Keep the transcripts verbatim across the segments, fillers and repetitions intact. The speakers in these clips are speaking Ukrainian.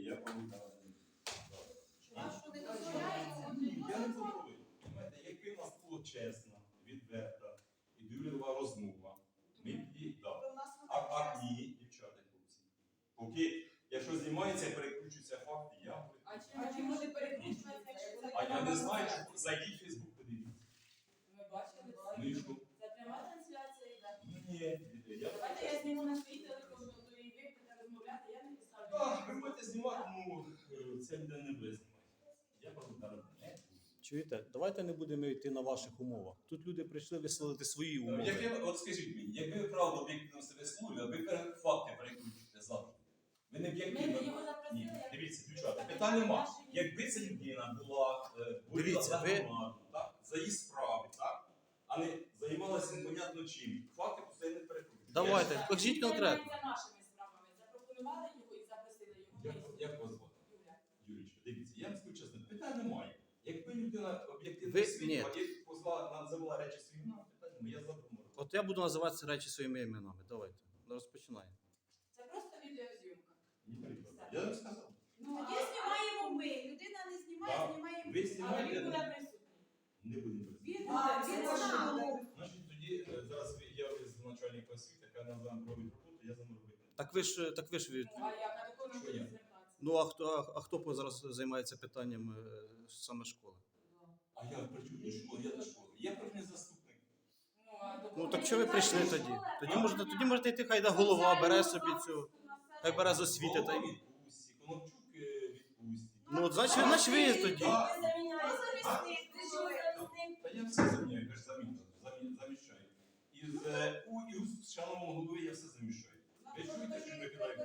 я пам'ятаю. А що не дозволяється? Ні, я не контролюю. Знаєте, якби в нас було чесно, відверта і довірлива розмова, ми б її дали. А, а ні, дівчата, хлопці. Поки, якщо знімається, переключуються факти, я говорю. А чи може перекручуватися, якщо це А я не знаю, що зайдіть в Фейсбук, подивіться. Ми бачили Ну і що? це пряма трансляція йде. Ну ні, я... Давайте я зніму на свій телефон, то і ви будете розмовляти, я не поставлю. Так, ви будете знімати, ну, це буде не ви знімати. Я пам'ятаю, не буду. Чуєте, давайте не будемо йти на ваших умовах. Тут люди прийшли висловити свої умови. Якби, от скажіть мені, якби ви правду об'єктивно себе слухали, ви пере- факти переключите завжди. Ви не Ми об'єктивно. його запросили. Ні, як- дивіться, дівчата, питань нема. Якби ця людина була е, боріла Дивіться, за ви- громаду, так, за її справи, так, а не займалася непонятно чим, факти постійно перекручують. Давайте, Він покажіть конкретно. займається нашими справами. Запропонували його і запросили Як, його. як вас звати? Юля. Юрічка, дивіться, я вам скажу чесно, питань немає. Якби людина об'єктивно Ви- світла і позвала, називала речі своїм іменем, питань немає, я задумав. От я буду називати ці речі своїми іменами. Давайте. Розпочинаємо. Це просто відеозйомка. Ні, приклад. Я вам сказав. Ну, Тоді а- знімаємо ми. Людина не знімає, Так. знімаємо Ви ми. Але знімаєте, він буде я присутній. не будемо працювати. Він А, буде він присутній. знав. Значить, тоді е, зараз ви- я з начальника освіти, яка нам вам робить роботу, я за мною робити. Так ви ж так ви ж від. Ну, а як? А до кого ми Що будемо я? звертатися? Ну а хто а, а хто по- зараз займається питанням е, саме школи? А я при чому до школи? Я до школи. Я профільний заступник. Ну, а до Ну кого так ми що ви прийшли звертаємося? тоді? Тоді можете тоді можете йти, хай да голова бере собі цю. Хай бере з освіти та й. Голова відпустці, Конопчук е, відпустці. Ну от значить, значить ви тоді. А? Ви заміняєте. Ви ж його замінили. Та я все заміняю, я ж заміняю, замі- заміщаю. Із е, у і у шановного голови я все заміщаю. Ви чуєте, що ми кидаємо?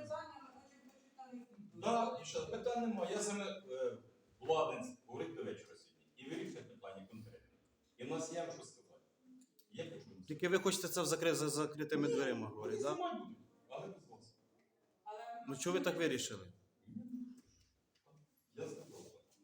Так, дівчата, питань немає. Я саме е, владенець говорить до вечора сьогодні. І вирішує питання конкретно. І в нас є що сказати. Я хочу вам сказати. Тільки ви хочете це в закри- за закритими дверима говорити, Вони так? знімати будуть, але без вас. Але- Ну чого ви так вирішили? Я сказав.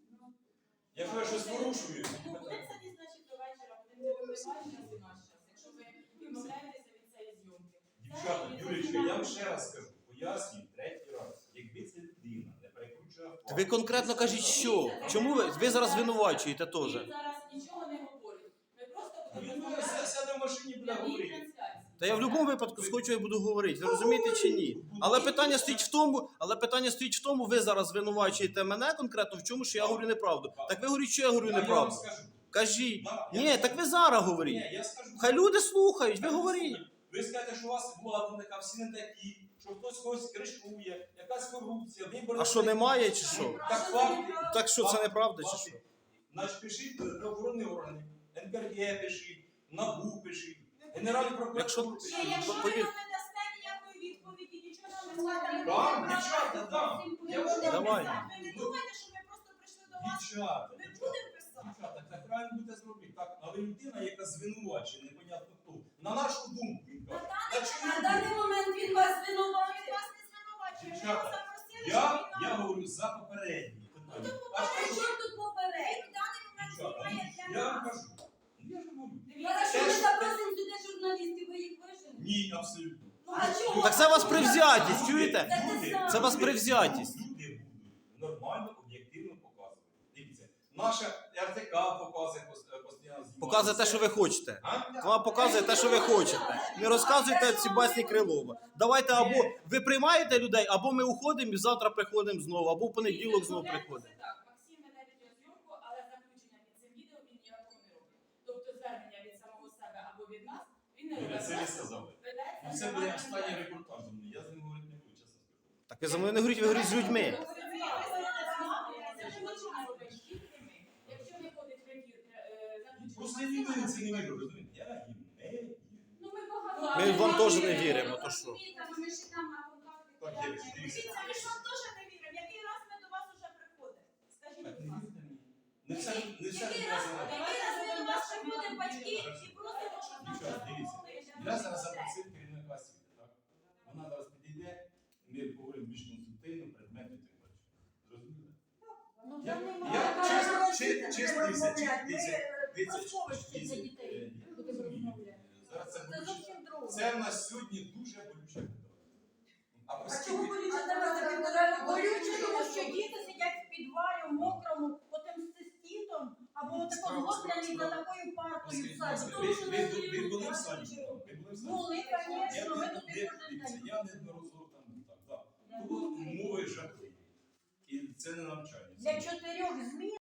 Якщо я щось порушую, Ну, буде це не значить до вечора, будемо випливати час і наш час. Якщо ви відмовляєтеся від цієї зйомки. дівчата, Юрічка, я вам ще раз скажу, пояснюю третій раз. Якби ця людина не перекручує факт, Ви конкретно кажіть, що? Чому ви? Ви зараз звинувачуєте теж. Він зараз нічого не говорить. Ми просто будемо Він буде розмовляти сяде в машині буде прямій говорити. трансляції. Та я в будь-якому випадку схочу і буду говорити. Ви розумієте чи ні? Але питання стоїть в тому, але питання стоїть в тому, ви зараз звинувачуєте мене конкретно в чому, що я говорю неправду. Так ви говоріть, що я говорю А я вам неправду. скажу. Кажіть. Да, я Ні, вам так ви скажу. зараз говоріть. Ні, я скажу. Хай люди слухають, ви говоріть. Ви скажете, що у вас влада така, всі не такі, що хтось когось кришкує, якась корупція, вибори. А що немає чи що? Так факти. Так що це неправда чи Факти. що? Значить, пишіть правоохоронні органи, ен пе ер ге пишіть, НАБУ пишіть, Генеральний прокурор Якщо- пишіть. Ні, якщо ви Повір- нам не дасте ніякої відповіді, нічого нам не складемо. Дам, дівчата, дам. Я будемо вже- Давай. писати. Ви не думайте, що ми просто прийшли до вас. Дівчата, Ми дівчата, будемо писати. дівчата, так правильно буде зробити. Так, але людина, яка звинувачує, непонятно хто. На нашу думку, він каже. На «Та чому На ви?» даний момент він вас звинувачує. Він вас не звинувачує. Ми Дівчата, його запросили, Я, щоб він я нам... говорю за попередні питання. А При що ж- чому тут поперед? Він в даний момент Дівчата, знімає для я вам нас. кажу. Ну, я ж говорю. Хорошо, Те, ми що- запросимо сюди журналістів, ви їх виженете? Ні, абсолютно. Ну а чому? Так це вас привзятість, чуєте? Люди- Це вас люди- привзятість. Люди будуть нормально, об'єктивно показувати. Дивіться, наша ер те ка показує пос- е, постійно знімати. Показує те, що ви хочете. А? Вам показує те, що ви хочете. Не розказуйте ці басні Крилова. Давайте або ви приймаєте людей, або ми уходимо і завтра приходимо знову, або в понеділок знову приходимо. Так, Максим веде відеозйомку, але заключення під цим відео він ніякого не робить. Тобто звернення від самого себе або від нас він не Ви робить. це не сказали. Ведеться Ну, це буде нормальна останній відео. репортаж до мене. Я з ним говорити не буду, чесно скажу. Так ви за мною не говоріть, ви говоріть з людьми. Це ж нічого не робить, тільки ми. Якщо не ходить в ефір, е, заключення Просто я Максима, ніде це не вірю, розумієте? Я їм не вірю. Ну ми багато. Ми вам теж не віримо, то що? Ми ж там на контакти. Так, я ж дивіться. Дивіться, ми ж вам теж не віримо. Який раз ми до вас уже приходимо? Скажіть, Так, будь не ласка. вірте мені. Не все, не все Який не раз, знаю. який раз ми до вас приходимо, батьки, і просимо, щоб нам Дівчата, дивіться. Я зараз допомогли. запросив керівника освіти, так? Вона зараз підійде, ми поговоримо більш конструктивно, предметно і так далі. Зрозуміли? Ну, Я, там я немає. чесно, чи- чесно, дивіться, чи- дивіться, дивіться, Розмовишся дивіться, для дітей. е, я розумію. Зараз це Це болюче. зовсім друге. Це в нас сьогодні дуже болюче питання. А А чому оскільки... болюче? Давайте півтора року болюче, тому що Або тако згодлений за такою партою в саді. Ви, ви, ви, ви були в саді? Ви були в саді? Були, Я, звісно, ми не- туди не- кожен дивіться, день. я неодноразово там був, так, так. Тут умови жахливі. І це не навчання. Для чотирьох змін